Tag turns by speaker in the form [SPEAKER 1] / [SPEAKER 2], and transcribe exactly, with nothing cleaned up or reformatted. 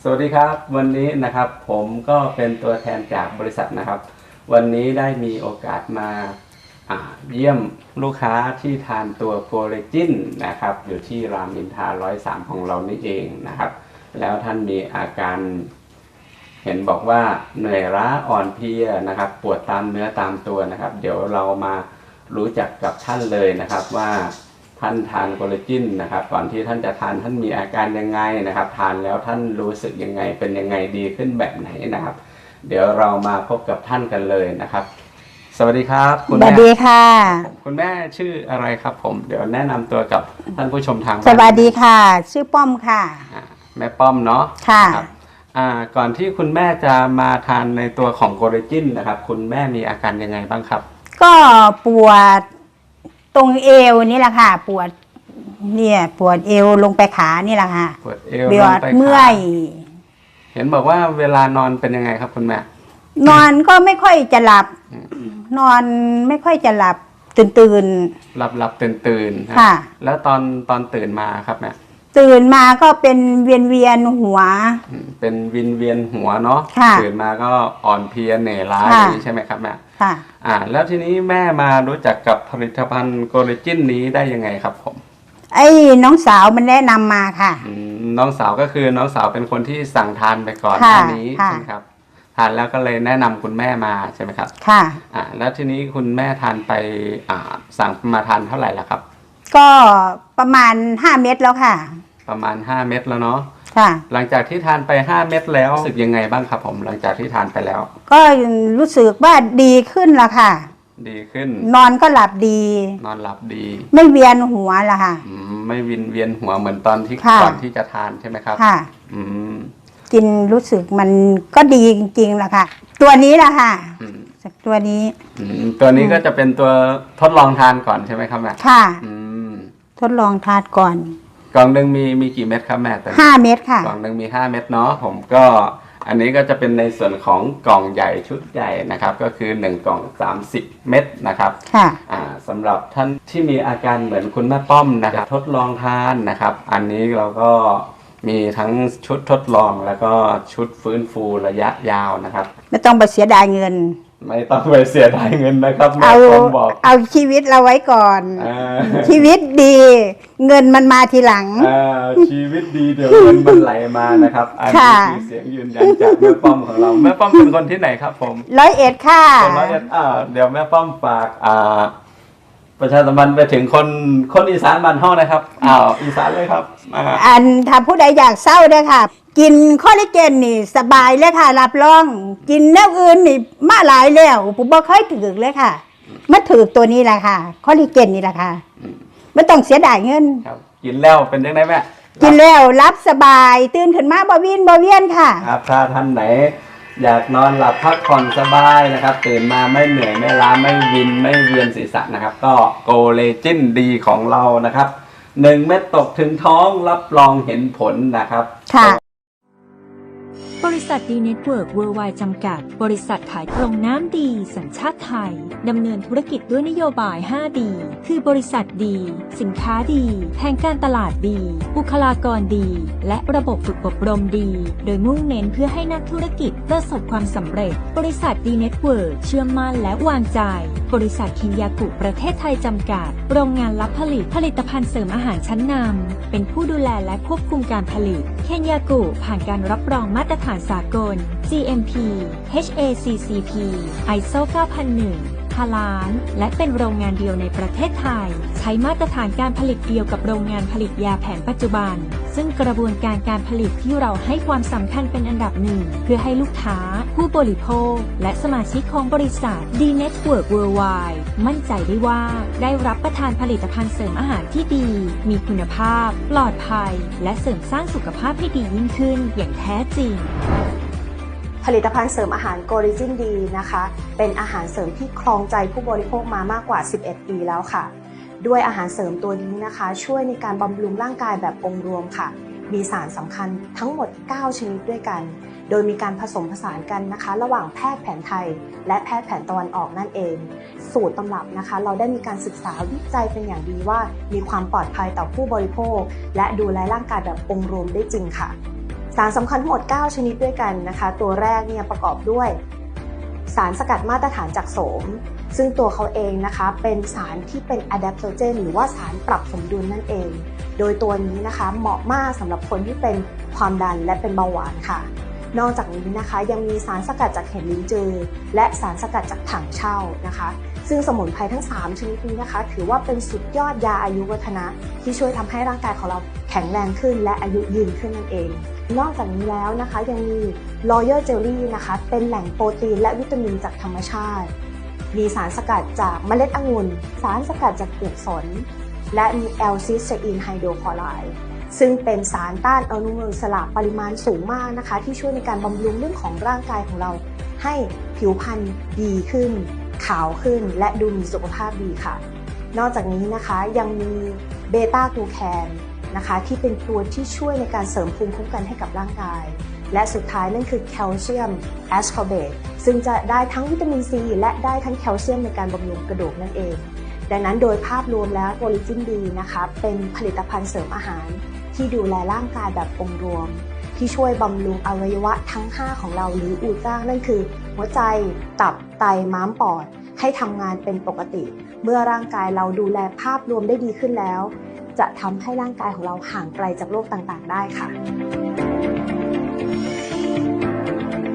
[SPEAKER 1] วัสดีครับวันนี้นะครับผมก็เป็นตัวแทนจากบริษัทนะครับวันนี้ได้มีโอกาสมาเยี่ยมลูกค้าที่ทานตัวโกเลจินนะครับอยู่ที่รามอินทราร้อยสามของเรานี่เองนะครับแล้วท่านมีอาการเห็นบอกว่าเหนื่อยล้าอ่อนเพลียนะครับปวดตามเนื้อตามตัวนะครับเดี๋ยวเรามารู้จักกับท่านเลยนะครับว่าท่านทานโกเลจินนะครับก่อนที่ท่านจะทานท่านมีอาการยังไงนะครับทานแล้วท่านรู้สึกยังไงเป็นยังไงดีขึ้นแบบไหนนะครับเดี๋ยวเรามาพบกับท่านกันเลยนะครับสวัสดีครับ
[SPEAKER 2] คุณแม่สวัสดีค่ะ
[SPEAKER 1] คุณแม่ชื่ออะไรครับผมเดี๋ยวแนะนำตัวกับท่านผู้ชมทางบ้าน
[SPEAKER 2] สวัสดีค่ะชื่อป้อมค่ะ
[SPEAKER 1] แม่ป้อมเนาะ
[SPEAKER 2] ค่ะ
[SPEAKER 1] ก่อนที่คุณแม่จะมาทานในตัวของโกเลจินนะครับคุณแม่มีอาการยังไงบ้างครับ
[SPEAKER 2] ก็ปวดตรงเอวนี่แหละค่ะปวดเนี่ยปวดเอวลงไปขานี่แหละค่ะ
[SPEAKER 1] ปวดเอว
[SPEAKER 2] ลงไปขาเมื่อย
[SPEAKER 1] เห็นบอกว่าเวลานอนเป็นยังไงครับคุณแม่
[SPEAKER 2] นอนก็ไม่ค่อยจะหลับนอนไม่ค่อยจะหลับตื่นตื่น
[SPEAKER 1] หลับหลับตื่นตื่น
[SPEAKER 2] ค่ะ
[SPEAKER 1] แล้วตอนตอนตื่นมาครับแม่
[SPEAKER 2] ตื่นมาก็เป็นเวียนเวียนหัว
[SPEAKER 1] เป็นวินเวียนหัวเนาะตื่นมาก็อ่อนเพลียเหนื่อยล้าอย่างนี้ใช่ไหมครับแม่
[SPEAKER 2] ค่ะ
[SPEAKER 1] อ่าแล้วทีนี้แม่มารู้จักกับผลิตภัณฑ์โกเลจินนี้ได้ยังไงครับผม
[SPEAKER 2] ไอ้น้องสาวมันแนะนำมาค่ะ
[SPEAKER 1] น้องสาวก็คือน้องสาวเป็นคนที่สั่งทานไปก่อนหน้านี้ใช่ไหมครับทานแล้วก็เลยแนะนำคุณแม่มาใช่ไหมครับ
[SPEAKER 2] ค่ะ
[SPEAKER 1] อ่าแล้วทีนี้คุณแม่ทานไปอ่าสั่งมาทานเท่าไหร่ละครับ
[SPEAKER 2] ก็ประมาณห้าเม็ดแล้วค่ะ
[SPEAKER 1] ประมาณห้าเม็ดแล้วเนาะ
[SPEAKER 2] ค่ะ
[SPEAKER 1] หลังจากที่ทานไปห้าเม็ดแล้วรู้สึกยังไงบ้างครับผมหลังจากที่ทานไปแล้ว
[SPEAKER 2] ก็รู้สึกว่าดีขึ้นละค่ะ
[SPEAKER 1] ดีขึ้น
[SPEAKER 2] นอนก็หลับดี
[SPEAKER 1] นอนหลับดี
[SPEAKER 2] ไม่เวียนหัวละค่ะ
[SPEAKER 1] ไม่วินเวียนหัวเหมือนตอนที่ก่อนที่จะทานใช่ไหมครับ
[SPEAKER 2] ค่ะ
[SPEAKER 1] อืม
[SPEAKER 2] กินรู้สึกมันก็ดีจริงๆละค่ะตัวนี้ละค่ะจากตัวนี้
[SPEAKER 1] ตัวนี้ก็จะเป็นตัวทดลองทานก่อนใช่ไหมครับแม่
[SPEAKER 2] ค่ะทดลองทานก่อน
[SPEAKER 1] กล่องหนึ่งมีมีกี่เม็ดครับแม่แต่
[SPEAKER 2] ห้าเม็ดค่ะ
[SPEAKER 1] กล่องหนึ่งมีห้าเม็ดเนาะผมก็อันนี้ก็จะเป็นในส่วนของกล่องใหญ่ชุดใหญ่นะครับก็คือหนึ่งกล่องสามสิบเม็ดนะครับ
[SPEAKER 2] ค่ะ
[SPEAKER 1] อ่าสำหรับท่านที่มีอาการเหมือนคุณแม่ป้อมนะครับทดลองทานนะครับอันนี้เราก็มีทั้งชุดทดลองแล้วก็ชุดฟื้นฟูระยะยาวนะครับ
[SPEAKER 2] ไม่ต้องไปเสียดายเงิน
[SPEAKER 1] ไม่ต้องไปเสียดายเงินนะครับ
[SPEAKER 2] เอาเอาชีวิตเราไว้ก่อนชีวิตดีเงินมันมาทีหลัง
[SPEAKER 1] ชีวิตดีเดี๋ยวเงินมันไหลมานะครับอันนี้คือเสียงยืนยันจากแม่ป้อมของเราแม่ป้อมเป็นคนที่ไหนครับผม
[SPEAKER 2] ร้อยเอ็ดค่ะ
[SPEAKER 1] ร้อยเอ็ดอ่าเดี๋ยวแม่ป้อมฝากอ่าประชาสัมพันธ์ไปถึงคนคนอีสานบ้านเฮานะครับอ้าวอีสานเลยครับ
[SPEAKER 2] อันถ้าผู้ใดอยากเศร้าเนี่ยค่ะกินคอลลาเจนนี่สบายเลยค่ะรับรองกินแนวอื่นนี่มาหลายแล้วผมบอกเคยถือเลยค่ะมาถือตัวนี้แหละค่ะคอลลาเจนนี่แหละค่ะไม่ต้องเสียดายเงิน
[SPEAKER 1] ครับกินแล้วเป็นยังไงแม่
[SPEAKER 2] กินแล้วรับสบายตื่นขึ้นมาบ่วินบ่เวียนค่ะ
[SPEAKER 1] ครับถ้าท่านไหนอยากนอนหลับพักผ่อนสบายนะครับตื่นมาไม่เหนื่อยไม่ล้าไม่วินไม่เวียนศีรษะนะครับก็โกเลจินดีของเรานะครับหนึ่งเม็ดตกถึงท้องรับรองเห็นผลนะครับ
[SPEAKER 2] ค่ะ
[SPEAKER 3] บริษัทดีเน็ตเวิร์กเวิร์ไวด์จำกัดบริษัทขายตรงน้ำดีสัญชาติไทยดำเนินธุรกิจด้วยนโยบาย ห้า ดี คือบริษัทดีสินค้าดีแผนการตลาดดีบุคลากรดีและระบบฝึกอบรมดีโดยมุ่งเน้นเพื่อให้นักธุรกิจประสบความสำเร็จบริษัทดีเน็ตเวิร์กเชื่อมั่นและวางใจบริษัทคินยากุประเทศไทยจำกัดโรงงานรับผลิตผลิตภัณฑ์เสริมอาหารชั้นนำเป็นผู้ดูแลและควบคุมการผลิตเคนยากุผ่านการรับรองมาตรฐานสากล จี เอ็ม พี เอช เอ ซี ซี พี ไอ เอส โอ เก้าพันหนึ่ง ฮาลาลและเป็นโรงงานเดียวในประเทศไทยใช้มาตรฐานการผลิตเดียวกับโรงงานผลิตยาแผนปัจจุบันซึ่งกระบวนการการผลิตที่เราให้ความสำคัญเป็นอันดับหนึ่งเพื่อให้ลูกค้าผู้บริโภคและสมาชิกของบริษัท D Network Worldwide มั่นใจได้ว่าได้รับประทานผลิตภัณฑ์เสริมอาหารที่ดีมีคุณภาพปลอดภัยและเสริมสร้างสุขภาพให้ดียิ่งขึ้นอย่างแท้จริง
[SPEAKER 4] ผลิตภัณฑ์เสริมอาหารโกลิจินดีนะคะเป็นอาหารเสริมที่ครองใจผู้บริโภคมามากกว่าสิบเอ็ดปีแล้วค่ะด้วยอาหารเสริมตัวนี้นะคะช่วยในการบำรุงร่างกายแบบองค์รวมค่ะมีสารสำคัญทั้งหมดเก้าชนิดด้วยกันโดยมีการผสมผสานกันนะคะระหว่างแพทย์แผนไทยและแพทย์แผนตะวันออกนั่นเองสูตรตำรับนะคะเราได้มีการศึกษาวิจัยเป็นอย่างดีว่ามีความปลอดภัยต่อผู้บริโภคและดูแลร่างกายแบบองค์รวมได้จริงค่ะสารสำคัญทั้งหมดเก้าชนิดด้วยกันนะคะตัวแรกเนี่ยประกอบด้วยสารสกัดมาตรฐานจากโสมซึ่งตัวเขาเองนะคะเป็นสารที่เป็น adaptogen หรือว่าสารปรับสมดุลนั่นเองโดยตัวนี้นะคะเหมาะมากสำหรับคนที่เป็นความดันและเป็นเบาหวานค่ะนอกจากนี้นะคะยังมีสารสกัดจากเห็ดลิ้นจือและสารสกัดจากถังเช่านะคะซึ่งสมุนไพรทั้งสามชนิดนี้นะคะถือว่าเป็นสุดยอดยาอายุวัฒนะที่ช่วยทำให้ร่างกายของเราแข็งแรงขึ้นและอายุยืนขึ้นนั่นเองนอกจากนี้แล้วนะคะยังมี Royal Jelly นะคะเป็นแหล่งโปรตีนและวิตามินจากธรรมชาติมีสารสกัดจากเมล็ดองุ่นสารสกัดจากเปลือกสนและมีแอลซิสเตอีนไฮโดรคลอไรด์ซึ่งเป็นสารต้านอนุมูลอิสระปริมาณสูงมากนะคะที่ช่วยในการบำรุงเรื่องของร่างกายของเราให้ผิวพรรณดีขึ้นขาวขึ้นและดูมีสุขภาพดีค่ะนอกจากนี้นะคะยังมีเบต้ากลูแคนนะคะที่เป็นตัวที่ช่วยในการเสริมภูมิคุ้มกันให้กับร่างกายและสุดท้ายนั่นคือแคลเซียมแอสคอร์เบตซึ่งจะได้ทั้งวิตามินซีและได้ทั้งแคลเซียมในการบำรุงกระดูกนั่นเองดังนั้นโดยภาพรวมแล้วโพลิจินดีนะคะเป็นผลิตภัณฑ์เสริมอาหารที่ดูแลร่างกายแบบองค์รวมที่ช่วยบำรุงอวัยวะทั้งห้าของเราหรืออูจ้านั่นคือหัวใจตับไตม้ามปอดให้ทำงานเป็นปกติเมื่อร่างกายเราดูแลภาพรวมได้ดีขึ้นแล้วจะทำให้ร่างกายของเราห่างไกลจากโรคต่างๆได้ค่ะ